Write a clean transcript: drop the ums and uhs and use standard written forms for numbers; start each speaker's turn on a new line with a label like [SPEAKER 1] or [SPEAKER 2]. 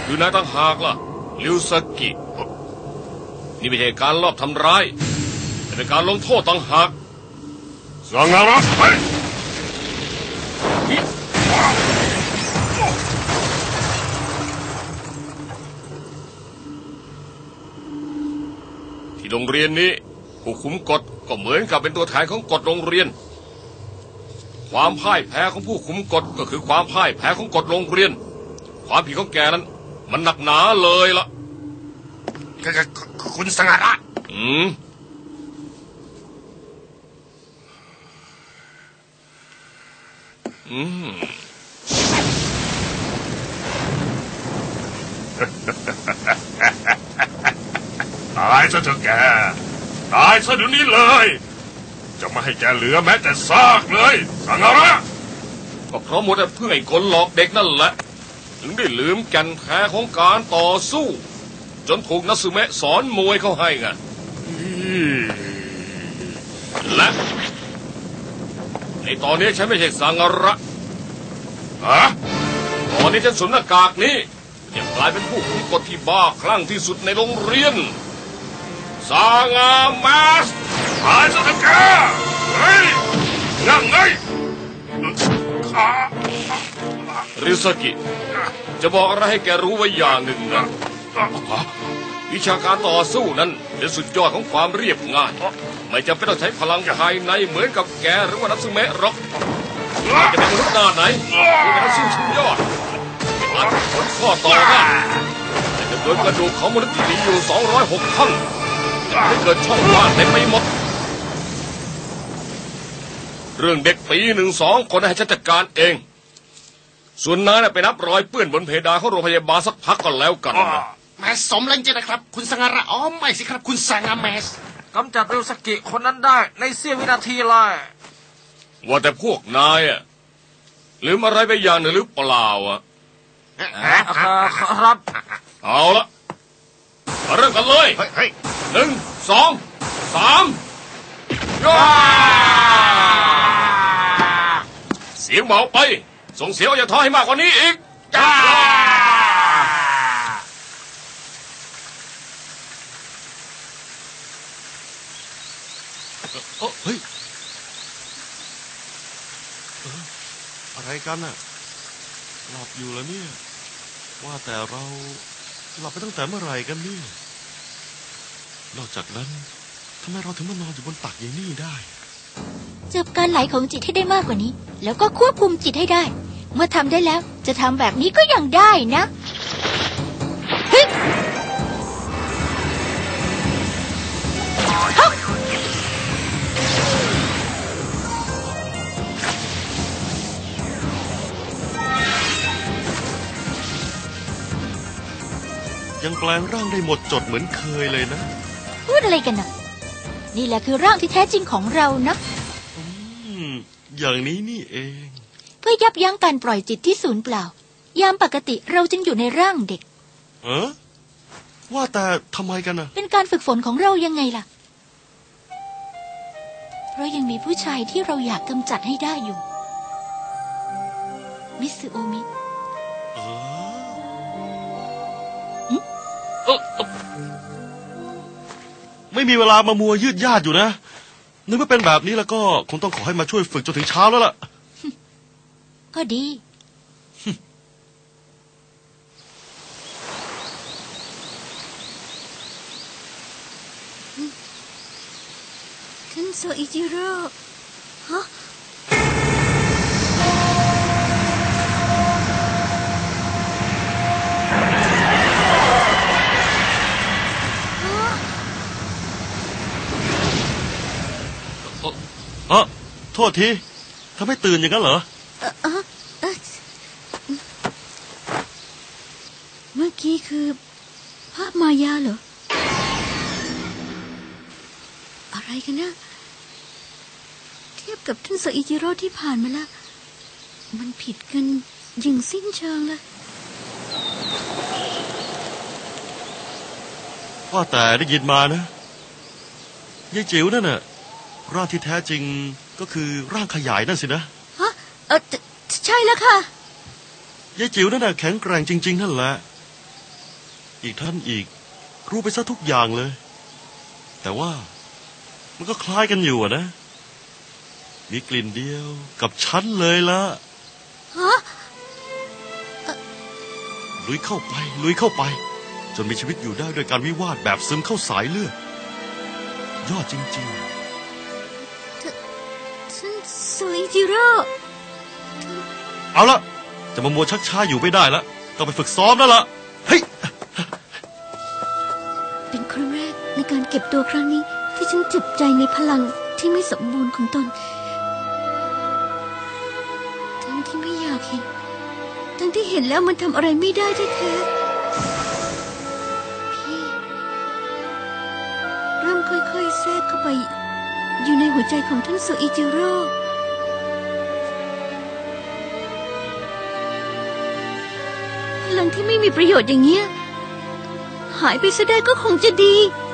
[SPEAKER 1] คือนายต่างหากล่ะริวซากินี่ไม่ใช่การลอบทำร้ายแต่เป็นการลงโทษต่างหาก
[SPEAKER 2] สังหารไป
[SPEAKER 1] ที่โรงเรียนนี้ผู้คุมกฎก็เหมือนกับเป็นตัวแทนของกฎโรงเรียนความพ่ายแพ้ของผู้คุมกฎก็คือความพ่ายแพ้ของกฎโรงเรียนความผิดของแกนั้นมันหนักหนาเลยล่ะ
[SPEAKER 2] คุณสังหารตายซะเถอะแกตายซะเดี๋ยวนี้เลยจะไม่ให้แกเหลือแม้แต่ซากเลยสังหาร
[SPEAKER 1] ก็เพราะหมดแต่เพื่อให้คนหลอกเด็กนั่นแหละถึงได้ลืมแก่นแท้ของการต่อสู้จนถูกนัสึเมะสอนมวยเข้าให้ไงและในตอนนี้ฉันไม่ใช่สังหารตอนนี้ฉันสวมหน้ากากนี้จะกลายเป็นผู้คุมกฎที่บ้าคลั่งที่สุดในโรงเรียนสังหารมาส
[SPEAKER 2] ตายซะเถอะแกเฮ้ยนั่งไง
[SPEAKER 1] ริซากิจะบอกอะไรให้แกรู้ไว้อย่างหนึ่งนะวิชาการต่อสู้นั้นเป็นสุดยอดของความเรียบง่ายไม่จำเป็นต้องใช้พลังภายในเหมือนกับแกหรือว่านัสึเมะหรอกจะเป็นมนุษย์หน้าไหนที่เป็นนักสู้ชั้นยอดอาจผลข้อต่อได้แต่จำนวนกระดูกของมนุษย์ที่มีอยู่206ท่อนจะให้เกิดช่องว่างเต็มไปหมดเรื่องเด็กปี1-2คนให้ฉันจัดการเองส่วนนั้นไปนับรอยเปื้อนบนเพดานของโรงพยาบาลสักพักก่อนแล้วกัน
[SPEAKER 3] แมสสมแล้วจริงนะครับคุณสังหารไม่สิครับคุณสังหารแมส
[SPEAKER 4] กำจัดริวซากิคนนั้นได้ในเสี้ยววินาทีเลย
[SPEAKER 1] ว่าแต่พวกนายลืมอะไรไปอย่างหนึ่งหรือเปล่า
[SPEAKER 4] ครับ
[SPEAKER 1] เอาละมาเริ่มกันเลย1 2 3ย่าเสียงเบาไปส่งเสียงอย่าท้อให้มากกว่านี้อีกย่า
[SPEAKER 5] เฮ้ยอะไรกันน่ะหลับอยู่แล้วเนี่ยว่าแต่เราหลับไปตั้งแต่เมื่อไหร่กันเนี่ยนอกจากนั้นทำไมเราถึงมานอนอยู่บนตักอย่างนี้ได้
[SPEAKER 6] จับการไหลของจิตให้ได้มากกว่านี้แล้วก็ควบคุมจิตให้ได้เมื่อทำได้แล้วจะทำแบบนี้ก็ยังได้นะเฮ้ย
[SPEAKER 5] ยังแปลงร่างได้หมดจดเหมือนเคยเลยนะ
[SPEAKER 6] พูดอะไรกันนะนี่แหละคือร่างที่แท้จริงของเรานะ
[SPEAKER 5] อย่างนี้นี่เอง
[SPEAKER 6] เพื่อยับยั้งการปล่อยจิตที่สูญเปล่ายามปกติเราจึงอยู่ในร่างเด็ก
[SPEAKER 5] ว่าแต่ทำไมกันนะ
[SPEAKER 6] เป็นการฝึกฝนของเรายังไงล่ะเพราะยังมีผู้ชายที่เราอยากกำจัดให้ได้อยู่มิสึโอมิ
[SPEAKER 5] ไม่มีเวลามามัวยืดยาดอยู่นะนึกว่าเป็นแบบนี้แล้วก็คงต้องขอให้มาช่วยฝึกจนถึงเช้าแล้วล่ะ
[SPEAKER 6] ก็ดีท่านโซอิจิโร่ฮะ
[SPEAKER 5] โทษทีทำให้ตื่นอย่างนั้นเหรอ
[SPEAKER 6] เมื่อกี้คือภาพมายาเหรออะไรกันนะเทียบกับท่านโซอิจิโร่ที่ผ่านมาแล้วมันผิดกันอย่างสิ้นเชิงเลย
[SPEAKER 5] ว่าแต่ได้ยินมานะยายจิ๋วนั่นน่ะร่างที่แท้จริงก็คือร่างขยายนั่นสินะ
[SPEAKER 6] ฮะใช่แล้วค่ะ
[SPEAKER 5] ยายจิ๋วนั่นน่ะแข็งแกร่งจริงๆนั่นแหละอีกท่านอีกรู้ไปซะทุกอย่างเลย แต่ว่ามันก็คล้ายกันอยู่นะมีกลิ่นเดียวกับฉันเลยละ
[SPEAKER 6] ฮะ
[SPEAKER 5] ลุยเข้าไปจนมีชีวิตอยู่ได้ด้วยการวิวาทแบบซึมเข้าสายเลือดยอดจริงๆ
[SPEAKER 6] ท่านโซอิจิโร่
[SPEAKER 5] เอาละจะมามัวชักช้าอยู่ไม่ได้ละต้องไปฝึกซ้อมแล้วล่ะเฮ้ย
[SPEAKER 6] เป็นครั้งแรกในการเก็บตัวครั้งนี้ที่ฉันเจ็บใจในพลังที่ไม่สมบูรณ์ของตนทั้งที่ไม่อยากเห็นทั้งที่เห็นแล้วมันทำอะไรไม่ได้แท้ๆพี่เริ่มค่อยๆแทรกเข้าไปอยู่ในหัวใจของท่านโซอิจิโร่พลังที่ไม่มีประโยชน์อย่างเงี้ยหายไปซะได้ก็คงจะดี